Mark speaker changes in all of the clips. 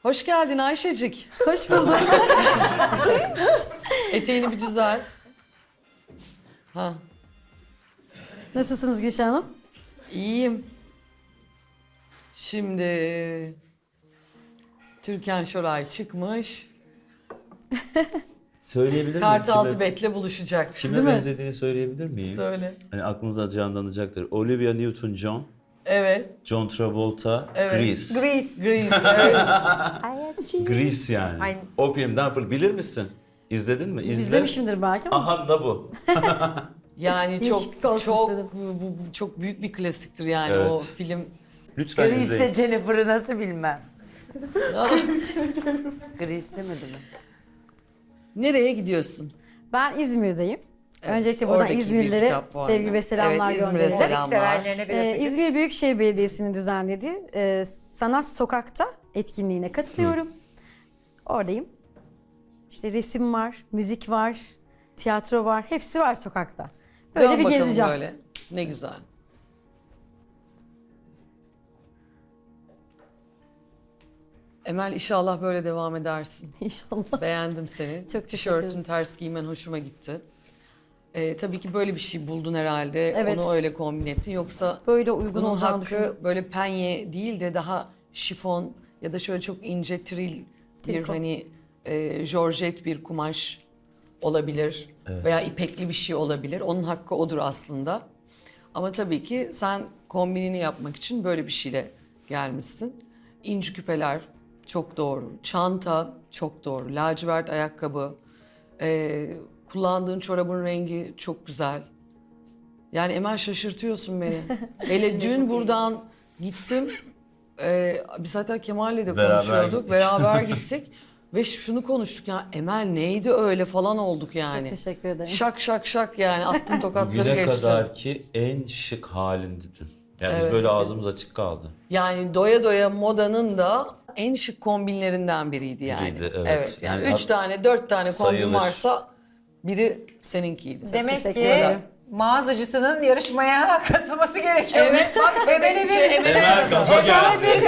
Speaker 1: Hoş geldin Ayşecik.
Speaker 2: Hoş bulduk.
Speaker 1: Eteğini bir düzelt. Ha,
Speaker 2: Nasılsınız Gülşah Hanım?
Speaker 1: iyiyim. Şimdi Türkan Şoray çıkmış.
Speaker 3: Söyleyebilir miyim?
Speaker 1: Kartaltı Bet'le buluşacak.
Speaker 3: Kime
Speaker 2: Değil mi?
Speaker 3: benzediğini söyleyebilir miyim?
Speaker 1: Söyle.
Speaker 3: Hani aklınıza canlanacaktır. Olivia Newton-John,
Speaker 1: Evet.
Speaker 3: John Travolta,
Speaker 1: Evet.
Speaker 3: Grease.
Speaker 1: Grease, evet.
Speaker 3: Grease yani.
Speaker 4: Aynen.
Speaker 3: O filmden bilir misin? İzledin mi? İzle.
Speaker 2: İzlemişimdir belki ama.
Speaker 3: Aha da bu.
Speaker 1: Yani
Speaker 2: Değişiklik
Speaker 1: çok
Speaker 2: olsun
Speaker 1: çok
Speaker 2: istedim.
Speaker 1: bu çok büyük bir klasiktir yani
Speaker 3: Evet.
Speaker 1: o film.
Speaker 3: Lütfen
Speaker 4: Grease'le
Speaker 3: izleyin.
Speaker 4: Jennifer'ı nasıl bilmem. Grease demedi mi?
Speaker 1: Nereye gidiyorsun?
Speaker 2: Ben İzmir'deyim.
Speaker 1: Evet,
Speaker 2: Öncelikle buradan
Speaker 1: oradaki bir
Speaker 2: İzmirlilere
Speaker 1: kitap fuarına.
Speaker 2: sevgi ve selamlar
Speaker 1: Evet, İzmir'e
Speaker 2: gönderiyorum.
Speaker 1: selam.
Speaker 4: Severlerine bir öpücük.
Speaker 2: İzmir Büyükşehir Belediyesi'nin düzenlediği Sanat Sokak'ta etkinliğine katılıyorum. Oradayım. İşte resim var, müzik var, tiyatro var. Hepsi var sokakta. Böyle
Speaker 1: Dön
Speaker 2: bir
Speaker 1: bakalım
Speaker 2: gezeceğim.
Speaker 1: böyle. Ne güzel. Emel inşallah böyle devam edersin.
Speaker 2: İnşallah.
Speaker 1: Beğendim seni.
Speaker 2: Çok teşekkür
Speaker 1: Tişörtün
Speaker 2: ederim.
Speaker 1: ters giymen hoşuma gitti. Tabii ki böyle bir şey buldun herhalde.
Speaker 2: Evet.
Speaker 1: Onu öyle kombin ettin. Yoksa
Speaker 2: Böyle uygun
Speaker 1: bunun
Speaker 2: olacağını
Speaker 1: hakkı
Speaker 2: düşünüyorum.
Speaker 1: böyle penye değil de daha şifon ya da şöyle çok ince tril bir
Speaker 2: Triko.
Speaker 1: hani jorjet bir kumaş olabilir. Veya ipekli bir şey olabilir. Onun hakkı odur aslında. Ama tabii ki sen kombinini yapmak için böyle bir şeyle gelmişsin. İnci küpeler çok doğru. Çanta çok doğru. Lacivert ayakkabı. Kullandığın çorabın rengi çok güzel. Yani Emel şaşırtıyorsun beni. Hele dün buradan gittim. Biz hatta Kemal'le de
Speaker 3: Beraber
Speaker 1: konuşuyorduk.
Speaker 3: gittik.
Speaker 1: Beraber gittik. Ve şunu konuştuk ya Emel neydi öyle falan olduk yani.
Speaker 2: Çok teşekkür ederim.
Speaker 1: Şak şak şak yani attın tokatları
Speaker 3: Güne
Speaker 1: geçtin.
Speaker 3: kadar ki en şık halindi dün. Yani
Speaker 1: Evet.
Speaker 3: biz böyle ağzımız açık kaldı.
Speaker 1: Yani doya doya modanın da en şık kombinlerinden biriydi yani.
Speaker 3: Biriydi, evet.
Speaker 1: Yani
Speaker 3: Yani
Speaker 1: 3 tane 4 tane kombin
Speaker 3: sayılır.
Speaker 1: varsa biri seninkiydi.
Speaker 4: Demek
Speaker 2: teşekkür
Speaker 4: ki
Speaker 2: ederim.
Speaker 4: mağazacısının yarışmaya katılması gerekiyor.
Speaker 1: Evet bak Emel
Speaker 3: Emel gaza geldi.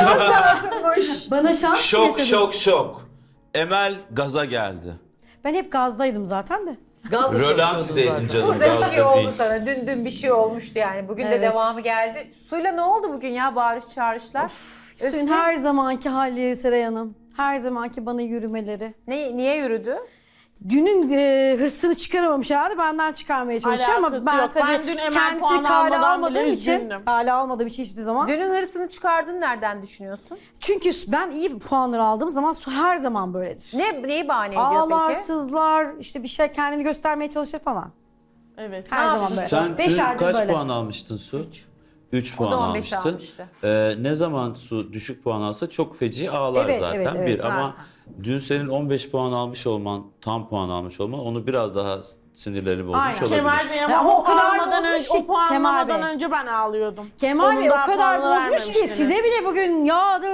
Speaker 2: Bana şans mı
Speaker 3: Şok
Speaker 2: getirdin?
Speaker 3: şok şok. Emel gaza geldi.
Speaker 2: Ben hep gazdaydım zaten de.
Speaker 1: Gazla çalışıyordun
Speaker 3: Rölantideydin
Speaker 1: zaten.
Speaker 3: canım.
Speaker 4: Burada bir şey
Speaker 3: Gazda
Speaker 4: oldu
Speaker 3: değil.
Speaker 4: sana. Dün bir şey olmuştu yani. Bugün de
Speaker 2: Evet.
Speaker 4: devamı geldi. Suyla ne oldu bugün ya bağırış çağrışlar?
Speaker 2: Suyun her zamanki halleri Seray Hanım. Her zamanki bana yürümeleri.
Speaker 4: Niye yürüdü?
Speaker 2: Dünün hırsını çıkaramamış herhalde benden çıkarmaya çalışıyor ama
Speaker 5: Alakası
Speaker 2: ben
Speaker 5: yok.
Speaker 2: tabii
Speaker 5: Ben dün Emel
Speaker 2: kendisini
Speaker 5: puan
Speaker 2: kale
Speaker 5: almadan
Speaker 2: almadığım
Speaker 5: bile
Speaker 2: için
Speaker 5: üzgündüm.
Speaker 2: kale almadığım için hiçbir zaman.
Speaker 4: Dünün hırsını çıkardın nereden düşünüyorsun?
Speaker 2: Çünkü ben iyi puanları aldığım zaman su her zaman böyledir.
Speaker 4: Neyi bahane ediyor
Speaker 2: Ağlar,
Speaker 4: peki?
Speaker 2: sızlar, işte bir şey kendini göstermeye çalışır falan.
Speaker 5: Evet.
Speaker 2: Her
Speaker 5: Ne
Speaker 2: zaman
Speaker 5: yaptın?
Speaker 2: böyle.
Speaker 3: Sen
Speaker 2: 5
Speaker 3: dün
Speaker 2: aydır
Speaker 3: kaç
Speaker 2: böyle.
Speaker 3: puan almıştın Su? 3
Speaker 4: O
Speaker 3: puan
Speaker 4: da 15
Speaker 3: almıştın.
Speaker 4: almıştı.
Speaker 3: Ne zaman Su düşük puan alsa çok feci ağlar
Speaker 2: Evet,
Speaker 3: zaten.
Speaker 2: evet, evet,
Speaker 3: bir
Speaker 4: zaten.
Speaker 3: ama dün senin 15 puan almış olman, tam puan almış olman onu biraz daha sinirleri bozmuş
Speaker 2: Aynen.
Speaker 3: olabilir.
Speaker 5: Kemal Bey
Speaker 2: Ya
Speaker 5: ama
Speaker 2: o kadar
Speaker 5: puanlamadan
Speaker 2: bozmuş
Speaker 5: önce,
Speaker 2: ki
Speaker 5: o puanlamadan
Speaker 2: Kemal Bey.
Speaker 5: önce ben ağlıyordum.
Speaker 2: Kemal Bey
Speaker 5: Onun
Speaker 2: o
Speaker 5: daha
Speaker 2: kadar
Speaker 5: puanını
Speaker 2: bozmuş ki
Speaker 5: vermemiştiniz.
Speaker 2: size bile bugün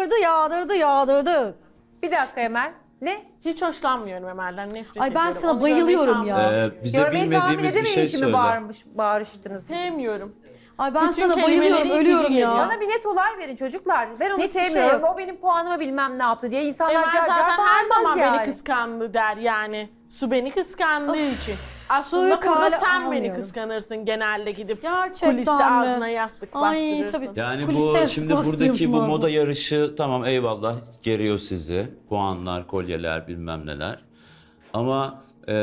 Speaker 2: yağdırdı.
Speaker 4: Bir dakika Emel. Ne?
Speaker 5: Hiç hoşlanmıyorum Emel'den, nefret
Speaker 2: Ay ben
Speaker 5: ediyorum.
Speaker 2: sana
Speaker 5: Onu
Speaker 2: bayılıyorum
Speaker 5: görmeyi
Speaker 2: ya.
Speaker 3: Bize
Speaker 4: Görmeyi tahmin
Speaker 3: bilmediğimiz bir
Speaker 4: edemeyin
Speaker 3: şey
Speaker 4: için mi
Speaker 3: söyle.
Speaker 4: bağırıştınız?
Speaker 5: sevmiyorum.
Speaker 2: Ay ben
Speaker 5: Bütün
Speaker 2: sana
Speaker 5: kelimeleri
Speaker 2: bayılıyorum,
Speaker 5: itici
Speaker 2: ölüyorum
Speaker 5: geliyor.
Speaker 2: ya.
Speaker 4: Bana bir net olay verin çocuklar. Ben onu
Speaker 2: Net bir şey
Speaker 4: sevmiyorum.
Speaker 2: yok.
Speaker 4: O benim puanıma bilmem ne yaptı diye. İnsanlar
Speaker 5: Emel
Speaker 4: car car
Speaker 5: zaten her
Speaker 4: bağırmaz
Speaker 5: zaman
Speaker 4: yani.
Speaker 5: beni kıskandı der yani. Su beni kıskandığı için. Aslında
Speaker 2: suyu
Speaker 5: burada
Speaker 2: kale
Speaker 5: sen beni
Speaker 2: almıyorum.
Speaker 5: kıskanırsın genelde gidip
Speaker 2: Gerçekten
Speaker 5: kuliste
Speaker 2: mi?
Speaker 5: ağzına yastık
Speaker 2: Ay,
Speaker 5: bastırırsın.
Speaker 2: tabii.
Speaker 3: Yani
Speaker 2: Kuliste
Speaker 3: bu
Speaker 2: yastık
Speaker 3: şimdi buradaki
Speaker 2: bastırıyormuşum
Speaker 3: bu
Speaker 2: ağzıma.
Speaker 3: moda yarışı tamam eyvallah geriyor sizi. Puanlar, kolyeler bilmem neler. Ama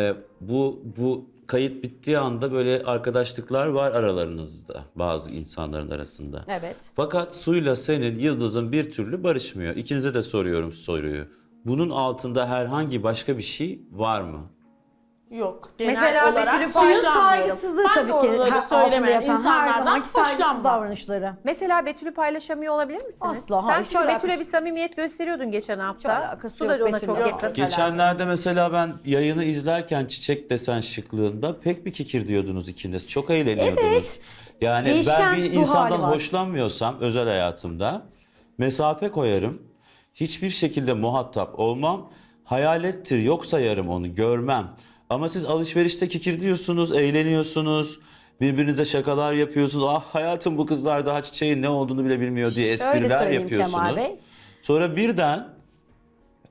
Speaker 3: bu kayıt bittiği anda böyle arkadaşlıklar var aralarınızda bazı insanların arasında.
Speaker 2: Evet.
Speaker 3: Fakat Su'yla senin Yıldız'ın bir türlü barışmıyor. İkinize de soruyorum soruyu. Bunun altında herhangi başka bir şey var mı?
Speaker 5: Yok. Genel
Speaker 4: Mesela
Speaker 5: olarak
Speaker 4: Betül'ün
Speaker 2: Suyun
Speaker 4: Hoşlanmıyorum.
Speaker 2: saygısızlığı
Speaker 5: Ben
Speaker 2: tabii
Speaker 5: de
Speaker 2: ki
Speaker 5: oraları
Speaker 2: altında
Speaker 5: söylemeyen
Speaker 2: yatan her
Speaker 5: insanlardan
Speaker 2: zamanki saygısız
Speaker 5: hoşlanmam.
Speaker 2: davranışları.
Speaker 4: Mesela Betül'ü paylaşamıyor olabilir misiniz?
Speaker 2: Asla,
Speaker 4: Sen
Speaker 2: hayır, hiç
Speaker 4: çünkü
Speaker 2: alakası-
Speaker 4: Betül'e bir samimiyet gösteriyordun geçen hafta.
Speaker 2: Hiç alakası
Speaker 4: Su
Speaker 2: yok
Speaker 4: da ona
Speaker 2: Betül'le.
Speaker 4: çok
Speaker 2: Yok.
Speaker 4: yakın.
Speaker 3: Geçenlerde mesela ben yayını izlerken çiçek desen şıklığında pek bir kikir diyordunuz ikiniz. Çok eğleniyordunuz.
Speaker 2: Evet.
Speaker 3: Yani
Speaker 2: Değişken
Speaker 3: ben bir
Speaker 2: ruh
Speaker 3: insandan
Speaker 2: hali var.
Speaker 3: hoşlanmıyorsam özel hayatımda mesafe koyarım. Hiçbir şekilde muhatap olmam. Hayalettir yok sayarım onu görmem. Ama siz alışverişte kikir diyorsunuz, eğleniyorsunuz. Birbirinize şakalar yapıyorsunuz. Ah hayatım bu kızlar daha çiçeğin ne olduğunu bile bilmiyor diye
Speaker 2: Şöyle
Speaker 3: espriler
Speaker 2: söyleyeyim Kemal
Speaker 3: yapıyorsunuz.
Speaker 2: Bey.
Speaker 3: Sonra birden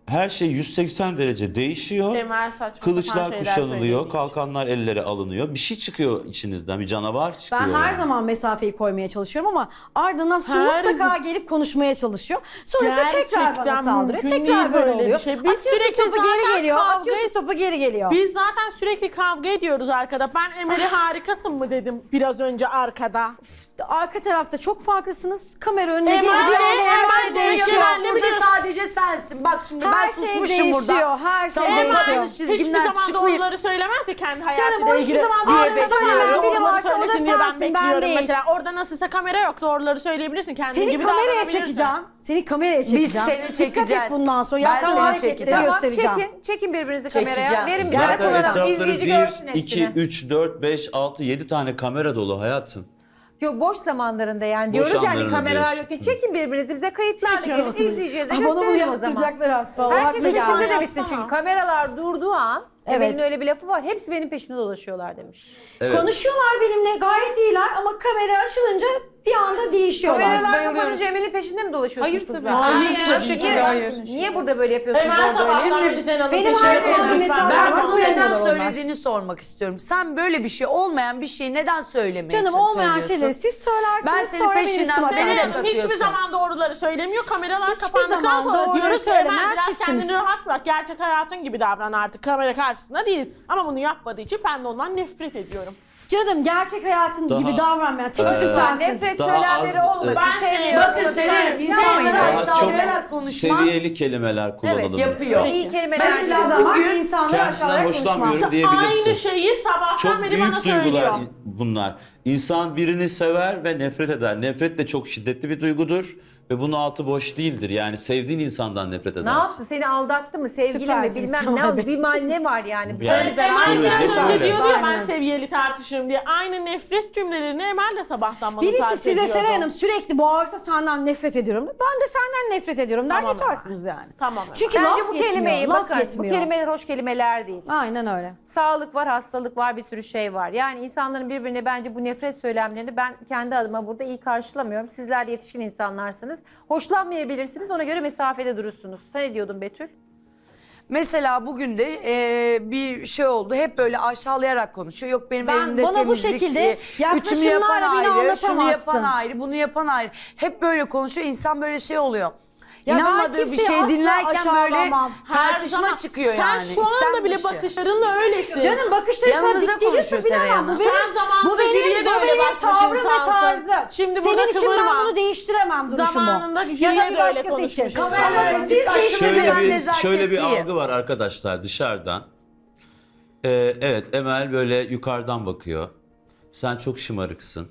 Speaker 3: her şey 180 derece değişiyor.
Speaker 5: Emel saçma sapan
Speaker 3: Kılıçlar
Speaker 5: şeyler
Speaker 3: kuşanılıyor,
Speaker 5: söylediği için.
Speaker 3: kalkanlar ellere alınıyor. Bir şey çıkıyor içinizden, bir canavar çıkıyor.
Speaker 2: Ben her
Speaker 3: yani.
Speaker 2: zaman mesafeyi koymaya çalışıyorum ama ardından su
Speaker 5: Her
Speaker 2: mutlaka gelip konuşmaya çalışıyor. Sonra ise tekrar bana
Speaker 5: Gerçekten
Speaker 2: saldırıyor.
Speaker 5: mümkün
Speaker 2: Tekrar
Speaker 5: değil
Speaker 2: böyle
Speaker 5: böyle bir
Speaker 2: oluyor.
Speaker 5: şey. Biz
Speaker 2: Atıyorsun
Speaker 5: sürekli
Speaker 2: topu geri
Speaker 5: zaten
Speaker 2: geliyor.
Speaker 5: kavga
Speaker 2: Atıyorsun topu geri geliyor.
Speaker 5: Biz zaten sürekli kavga ediyoruz arkada. Ben Emel'e harikasın mı dedim biraz önce arkada.
Speaker 2: Arka tarafta çok farklısınız. Kamera önüne
Speaker 5: Emel
Speaker 2: geliyor. Bir
Speaker 5: de-
Speaker 2: anda her
Speaker 5: Emel
Speaker 2: şey
Speaker 5: de
Speaker 2: değişiyor.
Speaker 5: Emel de-
Speaker 1: Burada
Speaker 5: biliyorsun.
Speaker 1: sadece sensin. Bak şimdi
Speaker 2: Her
Speaker 1: ben
Speaker 2: şey
Speaker 1: susmuşum
Speaker 2: değişiyor,
Speaker 1: burada.
Speaker 2: her şey
Speaker 1: Sana
Speaker 2: değişiyor.
Speaker 1: aynı
Speaker 5: Hiçbir
Speaker 1: çizgimden
Speaker 5: zaman
Speaker 1: çıkmayıp-
Speaker 5: doğruları söylemez ya kendi
Speaker 2: Canım
Speaker 5: hayatıyla
Speaker 2: o
Speaker 5: ilgili.
Speaker 2: hiçbir zaman
Speaker 5: diye
Speaker 2: doğruları
Speaker 5: bekliyorum.
Speaker 2: söylemeyen biri
Speaker 5: Doğruları
Speaker 2: varsa o da
Speaker 5: söylesin diye
Speaker 2: sensin, ben
Speaker 5: bekliyorum.
Speaker 2: değil.
Speaker 5: Mesela orada nasılsa kamera yok, doğruları söyleyebilirsin. Kendin
Speaker 2: Seni
Speaker 5: gibi
Speaker 2: kameraya
Speaker 5: davranabilirsin.
Speaker 2: çekeceğim. Seni kameraya çekeceğim.
Speaker 1: seni
Speaker 2: Dikkat
Speaker 1: çekeceğiz.
Speaker 2: et bundan sonra.
Speaker 1: Ben
Speaker 2: Yaptığın
Speaker 1: seni
Speaker 2: hareketleri
Speaker 1: çekeceğim.
Speaker 2: göstereceğim.
Speaker 4: Çekin birbirinizi
Speaker 1: Çekeceğim.
Speaker 4: kameraya. Verin bize
Speaker 3: Zaten
Speaker 4: açılalım.
Speaker 3: etrafları
Speaker 4: İzleyici
Speaker 3: 1,
Speaker 4: görsün
Speaker 3: 2,
Speaker 4: hepsini.
Speaker 3: 3, 4, 5, 6, 7 tane kamera dolu hayatım.
Speaker 4: Yok boş zamanlarında yani
Speaker 3: Boş
Speaker 4: diyoruz yani
Speaker 3: anlarını
Speaker 4: kameralar
Speaker 3: diyorsun.
Speaker 4: yokken çekin birbirinizi bize kayıtlarla
Speaker 5: Çekiyorum.
Speaker 4: gelin izleyiciye de
Speaker 2: Bana bunu
Speaker 4: gösterelim o zaman.
Speaker 2: yaptıracaklar artık. Vallahi
Speaker 4: Herkesin
Speaker 2: haklı
Speaker 4: peşinde
Speaker 2: yani.
Speaker 4: de bitsin çünkü kameralar durduğu an
Speaker 2: Evet.
Speaker 4: Emel'in öyle bir lafı var. Hepsi benim peşimde dolaşıyorlar demiş.
Speaker 3: Evet.
Speaker 2: Konuşuyorlar benimle gayet iyiler ama kamera açılınca bir anda değişiyorlar.
Speaker 4: Kameralar
Speaker 1: bayılıyoruz.
Speaker 4: kapanınca Emel'in peşinde mi dolaşıyorsunuz
Speaker 1: Hayır
Speaker 4: kızlar?
Speaker 1: tabii. Hayır,
Speaker 4: Niye?
Speaker 1: hiçbir şekilde
Speaker 4: Niye?
Speaker 1: hayır.
Speaker 4: Niye burada böyle yapıyorsunuz?
Speaker 5: Emel
Speaker 4: orada öyle?
Speaker 5: sabahtan beri Zenan'ın
Speaker 2: benim
Speaker 5: peşinde
Speaker 2: her
Speaker 5: koşuyor.
Speaker 2: konuda
Speaker 5: Lütfen.
Speaker 2: mesela
Speaker 1: Ben
Speaker 2: var,
Speaker 1: bunu
Speaker 2: koyamıyorlar
Speaker 1: neden
Speaker 2: onlar.
Speaker 1: söylediğini sormak istiyorum. Sen böyle bir şey, olmayan bir şeyi neden söylemeye
Speaker 2: Canım olmayan
Speaker 1: söylüyorsun?
Speaker 2: şeyleri siz söylersiniz
Speaker 1: Ben senin
Speaker 2: sonra benim
Speaker 1: peşinden
Speaker 2: üstüme
Speaker 1: seni de
Speaker 2: atarsınız.
Speaker 1: katılıyorum.
Speaker 5: Hiçbir zaman doğruları söylemiyor. Kameralar
Speaker 2: Hiçbir
Speaker 5: kapandıktan
Speaker 2: zaman
Speaker 5: sonra
Speaker 2: doğruları
Speaker 5: diyoruz ki
Speaker 2: söylemeyen
Speaker 5: Emel biraz
Speaker 2: sizsiniz.
Speaker 5: kendini rahat bırak. Gerçek hayatın gibi davran artık. Kamera karşısında değiliz. Ama bunu yapmadığı için ben de ondan nefret ediyorum.
Speaker 2: Canım gerçek hayatın
Speaker 3: Daha-
Speaker 2: gibi davranmayan tek isim sensin.
Speaker 4: Nefret
Speaker 3: Daha
Speaker 4: söylemleri
Speaker 3: az-
Speaker 4: olmasın.
Speaker 5: Ben
Speaker 4: sevmiyorum.
Speaker 1: Bakın senin insanları
Speaker 3: Daha
Speaker 1: aşağılayarak
Speaker 3: çok
Speaker 1: konuşman
Speaker 3: seviyeli kelimeler kullanalım.
Speaker 1: yapıyor.
Speaker 4: İyi kelimeler.
Speaker 2: Ben hiçbir
Speaker 1: Mesela
Speaker 2: zaman
Speaker 1: bugün
Speaker 2: insanları
Speaker 3: kendisinden
Speaker 2: aşağıya
Speaker 3: hoşlanmıyorum
Speaker 2: konuşmam.
Speaker 3: diyebilirsin.
Speaker 5: Aynı şeyi sabahtan
Speaker 3: Çok
Speaker 5: beri bana
Speaker 3: büyük duygular
Speaker 5: söylüyor.
Speaker 3: bunlar. İnsan birini sever ve nefret eder. Nefret de çok şiddetli bir duygudur ve bunun altı boş değildir. Yani sevdiğin insandan nefret
Speaker 4: Ne
Speaker 3: edersin.
Speaker 4: yaptı? Seni aldattı mı? Sevgili mi?
Speaker 2: Süpersiniz
Speaker 4: Bilmem
Speaker 2: Kemal
Speaker 4: ne.
Speaker 2: Bey.
Speaker 4: Ne var yani?
Speaker 3: Yani
Speaker 4: Böyle
Speaker 5: Emel biraz
Speaker 3: psikolojik
Speaker 5: önce
Speaker 3: öyle.
Speaker 5: diyordu ya ben
Speaker 2: Aynen.
Speaker 5: seviyeli tartışırım diye. Aynı nefret cümlelerini Emel de sabahtan bana
Speaker 2: Birisi
Speaker 5: sarf
Speaker 2: size
Speaker 5: ediyordu.
Speaker 2: Seray Hanım sürekli bağırsa senden nefret ediyorum. Ben de senden nefret ediyorum der
Speaker 5: Tamam
Speaker 2: geçersiniz yani.
Speaker 5: Tamam.
Speaker 2: Çünkü
Speaker 4: Bence
Speaker 2: laf
Speaker 4: bu
Speaker 2: yetmiyor.
Speaker 4: kelimeyi
Speaker 2: Laf
Speaker 4: bakın. Bu
Speaker 2: yetmiyor.
Speaker 4: kelimeler hoş kelimeler değil.
Speaker 2: Aynen öyle.
Speaker 4: Sağlık var, hastalık var, bir sürü şey var. Yani insanların birbirine bence bu nefret söylemlerini ben kendi adıma burada iyi karşılamıyorum. Sizler de yetişkin insanlarsınız. Hoşlanmayabilirsiniz, ona göre mesafede durursunuz. Sen ne diyordun Betül?
Speaker 1: Mesela bugün de bir şey oldu. Hep böyle aşağılayarak konuşuyor. Yok benim
Speaker 2: Ben-
Speaker 1: evimde
Speaker 2: bana bu
Speaker 1: temizlik,
Speaker 2: şekilde
Speaker 1: ütümü yapan
Speaker 2: yaklaşımlarla beni
Speaker 1: ayrı, şunu
Speaker 2: anlatamazsın.
Speaker 1: yapan ayrı, bunu yapan ayrı. Hep böyle konuşuyor. İnsan böyle şey oluyor.
Speaker 2: Ya ben
Speaker 1: İnanmadığı bir
Speaker 2: kimseyi
Speaker 1: şey
Speaker 2: asla
Speaker 1: dinlerken böyle
Speaker 2: aşağılamam.
Speaker 1: tartışma çıkıyor
Speaker 5: Sen
Speaker 1: yani.
Speaker 5: şu anda bile
Speaker 1: İstenmiş.
Speaker 5: bakışlarınla öylesin.
Speaker 2: Canım bakışları sana
Speaker 1: Yanımızda
Speaker 2: dik geliyorsa
Speaker 1: konuşuyor Seray
Speaker 2: bilemem.
Speaker 1: Hanım.
Speaker 2: Bu
Speaker 5: Sen
Speaker 2: benim,
Speaker 5: zamanında
Speaker 2: bu benim,
Speaker 5: jüriye de
Speaker 2: bu
Speaker 5: öyle
Speaker 2: benim
Speaker 5: bakmış
Speaker 2: tavrım ve
Speaker 5: insansın.
Speaker 2: tarzım.
Speaker 5: Şimdi burada
Speaker 2: Senin için
Speaker 5: kıvırma.
Speaker 2: ben bunu değiştiremem duruşumu.
Speaker 5: Zamanında
Speaker 2: ya
Speaker 5: jüriye
Speaker 2: da bir
Speaker 5: de öyle
Speaker 2: başkası için.
Speaker 5: konuşmuş.
Speaker 2: Ama
Speaker 1: Kameralar
Speaker 2: siz
Speaker 1: dikkat-
Speaker 2: değiştirdiniz.
Speaker 3: Şöyle bir
Speaker 1: nezaketliyim.
Speaker 3: algı var arkadaşlar dışarıdan. Evet Emel böyle yukarıdan bakıyor. Sen çok şımarıksın.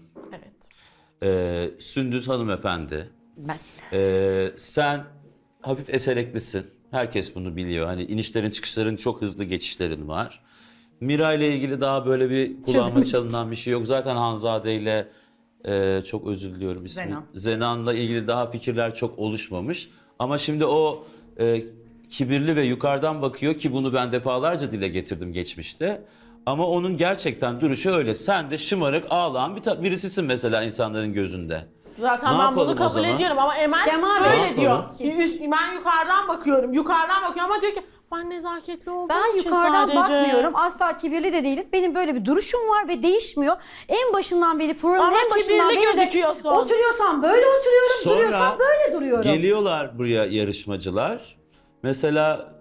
Speaker 5: Evet.
Speaker 3: Sündüz hanımefendi.
Speaker 1: Ben.
Speaker 3: Sen hafif esereklisin. Herkes bunu biliyor. Hani inişlerin çıkışların çok hızlı geçişlerin var. Mira ile ilgili daha böyle bir kulağıma çalınan bir şey yok. Zaten Hanzade ile çok özür diliyorum ismi.
Speaker 1: Zenan.
Speaker 3: Zenan'la ilgili daha fikirler çok oluşmamış. Ama şimdi o kibirli ve yukarıdan bakıyor ki bunu ben defalarca dile getirdim geçmişte. Ama onun gerçekten duruşu öyle. Sen de şımarık, ağlayan birisisin mesela insanların gözünde.
Speaker 5: Zaten
Speaker 3: Ne
Speaker 5: ben
Speaker 3: yapalım
Speaker 5: bunu
Speaker 3: o
Speaker 5: kabul
Speaker 3: zaman?
Speaker 5: ediyorum ama Emel
Speaker 2: Kemal Bey.
Speaker 3: Ne
Speaker 5: böyle diyor.
Speaker 3: yapalım?
Speaker 5: Ben yukarıdan bakıyorum. Yukarıdan bakıyorum ama diyor ki ben nezaketli olduğum
Speaker 2: Ben
Speaker 5: için
Speaker 2: yukarıdan
Speaker 5: sadece.
Speaker 2: bakmıyorum. Asla kibirli de değilim. Benim böyle bir duruşum var ve değişmiyor. En başından beri programın
Speaker 5: Ama
Speaker 2: en başından
Speaker 5: kibirli
Speaker 2: beri de
Speaker 5: gözüküyorsun.
Speaker 2: oturuyorsam böyle oturuyorum,
Speaker 3: Sonra
Speaker 2: duruyorsam böyle duruyorum.
Speaker 3: Geliyorlar buraya yarışmacılar. Mesela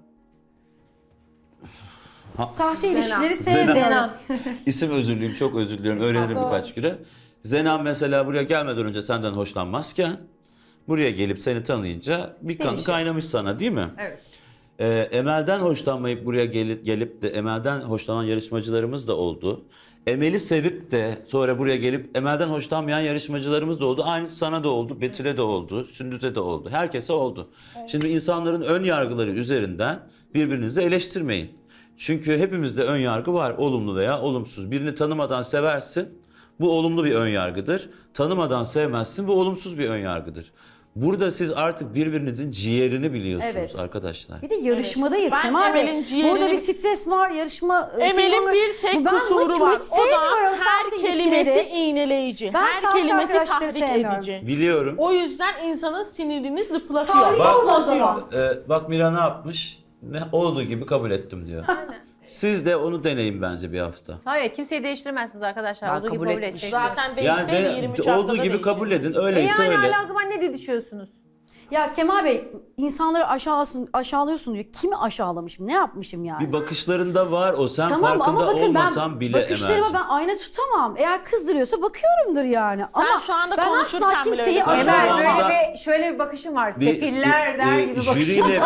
Speaker 2: Sahte ilişkileri
Speaker 3: Zenan.
Speaker 2: sevmiyorum.
Speaker 3: isim özür dileyim, çok özür diliyorum. Öğrenirim birkaç güne. Zenan mesela buraya gelmeden önce senden hoşlanmazken buraya gelip seni tanıyınca bir kan
Speaker 2: Değişiyor.
Speaker 3: kaynamış sana değil mi?
Speaker 1: Evet.
Speaker 3: Emel'den hoşlanmayıp buraya gelip de Emel'den hoşlanan yarışmacılarımız da oldu. Emel'i sevip de sonra buraya gelip Emel'den hoşlanmayan yarışmacılarımız da oldu. Aynısı sana da oldu, Betül'e de oldu, Sündüz'e de oldu. Herkese oldu. Şimdi insanların ön yargıları üzerinden birbirinizi eleştirmeyin. Çünkü hepimizde ön yargı var, olumlu veya olumsuz. Birini tanımadan seversin, bu olumlu bir ön yargıdır. Tanımadan sevmezsin, bu olumsuz bir ön yargıdır. Burada siz artık birbirinizin ciğerini biliyorsunuz
Speaker 2: Evet.
Speaker 3: arkadaşlar.
Speaker 2: Bir de yarışmadayız
Speaker 5: Ben
Speaker 2: Kemal Bey.
Speaker 5: Emel'in ciğerini-
Speaker 2: Burada bir stres var, yarışma
Speaker 5: Emel'in
Speaker 2: var.
Speaker 5: bir tek
Speaker 2: Ben
Speaker 5: kusuru
Speaker 2: maçımı
Speaker 5: var.
Speaker 2: hiç sevmiyorum
Speaker 5: O da her
Speaker 2: saat
Speaker 5: kelimesi
Speaker 2: ilişkileri.
Speaker 5: iğneleyici.
Speaker 2: Ben
Speaker 5: her
Speaker 2: saat
Speaker 5: kelimesi
Speaker 2: arkadaşları
Speaker 5: tahrik
Speaker 2: sevmiyorum.
Speaker 5: edici.
Speaker 3: Biliyorum.
Speaker 5: O yüzden insanın sinirini zıplatıyor.
Speaker 2: Tahrik
Speaker 3: Bak-
Speaker 2: olma o zaman.
Speaker 3: Bak Mira ne yapmış? Ne olduğu gibi kabul ettim diyor. Siz de onu deneyin bence bir hafta.
Speaker 4: Hayır, kimseyi değiştiremezsiniz arkadaşlar.
Speaker 1: Ben
Speaker 4: olduğu gibi
Speaker 1: kabul
Speaker 4: kabul
Speaker 1: etmiştim.
Speaker 4: edeceksiniz.
Speaker 5: Zaten
Speaker 3: Yani
Speaker 5: değişseydi 23 haftada
Speaker 3: olduğu gibi
Speaker 5: değişir.
Speaker 3: kabul edin.
Speaker 4: E
Speaker 3: Öyleyse
Speaker 4: yani
Speaker 3: öyle.
Speaker 4: hala o zaman ne didişiyorsunuz?
Speaker 2: Ya Kemal Bey, insanları aşağılıyorsun diyor. Kimi aşağılamışım? Ne yapmışım yani?
Speaker 3: Bir bakışlarında var o. Sen
Speaker 2: Tamam
Speaker 3: farkında
Speaker 2: ama bakın
Speaker 3: olmasan
Speaker 2: ben
Speaker 3: bile
Speaker 2: bakışlarıma
Speaker 3: Emel'ciğim.
Speaker 2: ben ayna tutamam. Eğer kızdırıyorsa bakıyorumdur yani.
Speaker 5: Sen
Speaker 2: ama
Speaker 5: şu anda
Speaker 2: ben
Speaker 5: konuşurken
Speaker 2: asla
Speaker 5: bile
Speaker 2: kimseyi
Speaker 5: öyle
Speaker 3: Sen
Speaker 4: Emel
Speaker 3: şu anda-
Speaker 4: şöyle bir bakışın var. Sefiller der gibi bakışın.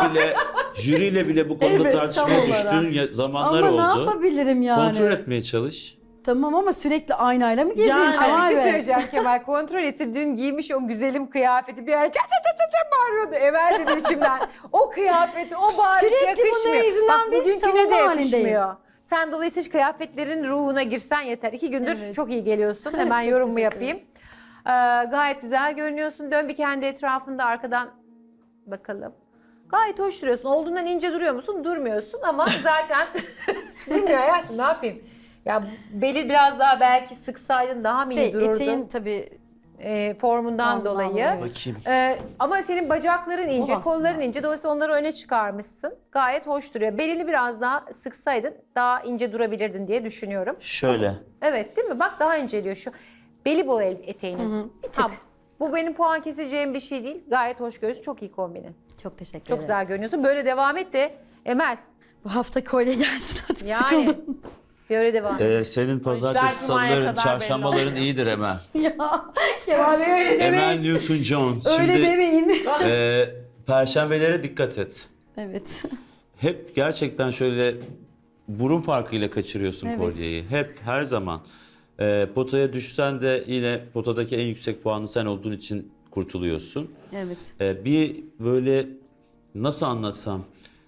Speaker 3: Jüriyle bile bu konuda
Speaker 2: Evet,
Speaker 3: tartışmaya
Speaker 2: tam olarak.
Speaker 3: düştüğün zamanlar
Speaker 2: ama
Speaker 3: oldu.
Speaker 2: ne yapabilirim yani?
Speaker 3: Kontrol etmeye çalış.
Speaker 2: Tamam ama sürekli aynayla mı gezeyim
Speaker 5: Yani-
Speaker 4: Ama bir
Speaker 2: Kemal
Speaker 4: şey
Speaker 2: Bey?
Speaker 4: söyleyeceğim Kemal. Kontrol etse dün giymiş o güzelim kıyafeti bir ara çat çat çat çat bağırıyordu. Emel dedi içimden. O kıyafeti, o bağırış
Speaker 2: Sürekli
Speaker 4: yakışmıyor.
Speaker 2: bunların yüzünden
Speaker 4: Bak
Speaker 2: bir
Speaker 4: bugünküne de
Speaker 2: savunma halindeyim.
Speaker 4: yakışmıyor. Sen dolayısıyla hiç kıyafetlerin ruhuna girsen yeter. 2 gündür
Speaker 2: Evet.
Speaker 4: çok iyi geliyorsun. Hemen
Speaker 2: Çok
Speaker 4: yorumumu
Speaker 2: teşekkür
Speaker 4: yapayım. Gayet güzel görünüyorsun. Dön bir kendi etrafında arkadan bakalım. Gayet hoş duruyorsun. Olduğundan ince duruyor musun? Durmuyorsun ama zaten durmuyor hayatım, ne yapayım? Ya beli biraz daha belki sıksaydın daha mı iyi dururdu?
Speaker 2: Eteğin tabii
Speaker 4: Formundan
Speaker 2: Formundan
Speaker 4: dolayı.
Speaker 2: dolayı.
Speaker 3: Bakayım.
Speaker 4: Ama senin bacakların ince,
Speaker 2: O aslında.
Speaker 4: kolların ince. Dolayısıyla onları öne çıkarmışsın. Gayet hoş duruyor. Belini biraz daha sıksaydın daha ince durabilirdin diye düşünüyorum.
Speaker 3: Şöyle.
Speaker 4: Evet, değil mi? Bak daha inceliyor şu. Beli bol eteğinin.
Speaker 2: bir tık.
Speaker 4: Bu benim puan keseceğim bir şey değil. Gayet hoş görüyorsun. Çok iyi kombinin.
Speaker 2: çok teşekkür
Speaker 4: Çok
Speaker 2: ederim.
Speaker 4: güzel görünüyorsun. Böyle devam et de Emel.
Speaker 2: Bu hafta kolye gelsin artık
Speaker 4: Yani
Speaker 2: sıkıldım.
Speaker 4: böyle devam et.
Speaker 3: Senin pazartesi,
Speaker 5: Cuma'ya
Speaker 3: salıların,
Speaker 5: kadar
Speaker 3: çarşambaların iyidir Emel.
Speaker 2: ya Kemal Bey öyle
Speaker 3: Emel
Speaker 2: demeyin.
Speaker 3: Newton-John.
Speaker 2: Öyle
Speaker 3: Şimdi
Speaker 2: demeyin.
Speaker 3: perşembelere dikkat et.
Speaker 2: Evet.
Speaker 3: Hep gerçekten şöyle burun farkıyla kaçırıyorsun
Speaker 2: Evet.
Speaker 3: kolyeyi. Hep her zaman. Potaya düşsen de yine potadaki en yüksek puanı sen olduğun için kurtuluyorsun.
Speaker 2: Evet.
Speaker 3: Bir böyle nasıl anlatsam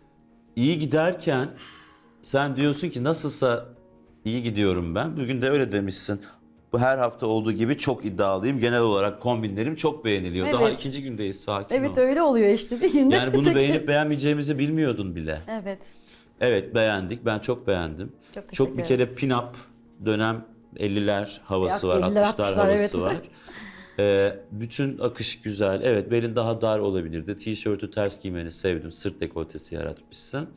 Speaker 3: iyi giderken sen diyorsun ki nasılsa iyi gidiyorum ben. Bugün de öyle demişsin. Bu her hafta olduğu gibi çok iddialıyım. Genel olarak kombinlerim çok beğeniliyor. Daha
Speaker 2: Evet.
Speaker 3: ikinci gündeyiz, sakin
Speaker 2: Evet
Speaker 3: ol.
Speaker 2: öyle oluyor işte bir günde.
Speaker 3: Yani bunu beğenip beğenmeyeceğimizi bilmiyordun bile.
Speaker 2: Evet.
Speaker 3: Evet, beğendik. Ben çok beğendim.
Speaker 2: Çok
Speaker 3: Çok
Speaker 2: teşekkür
Speaker 3: bir kere pin-up dönem 50'ler havası
Speaker 2: Ya,
Speaker 3: var,
Speaker 2: 50'ler,
Speaker 3: 60'lar
Speaker 2: 60'lar,
Speaker 3: havası
Speaker 2: evet.
Speaker 3: var. Bütün akış güzel. Evet, belin daha dar olabilirdi. Tişörtü ters giymeni sevdim. Sırt dekoltesi yaratmışsın.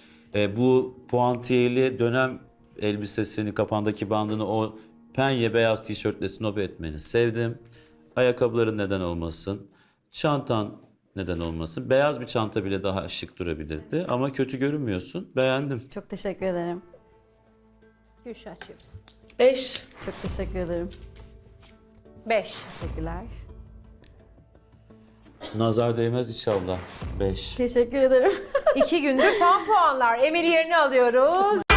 Speaker 3: Bu puantiyeli dönem elbisesini, kafandaki bandını o penye beyaz tişörtle snob etmeni sevdim. Ayakkabıların neden olmasın. Çantan neden olmasın. Beyaz bir çanta bile daha şık durabilirdi. Ama kötü görünmüyorsun. Beğendim.
Speaker 2: Çok teşekkür ederim.
Speaker 4: Gülşah çevirsin.
Speaker 5: 5.
Speaker 2: Çok teşekkür ederim.
Speaker 4: 5.
Speaker 2: Teşekkürler.
Speaker 3: Nazar değmez inşallah. 5.
Speaker 2: Teşekkür ederim.
Speaker 4: 2 gündür tam puanlar. Emel'i yerine alıyoruz.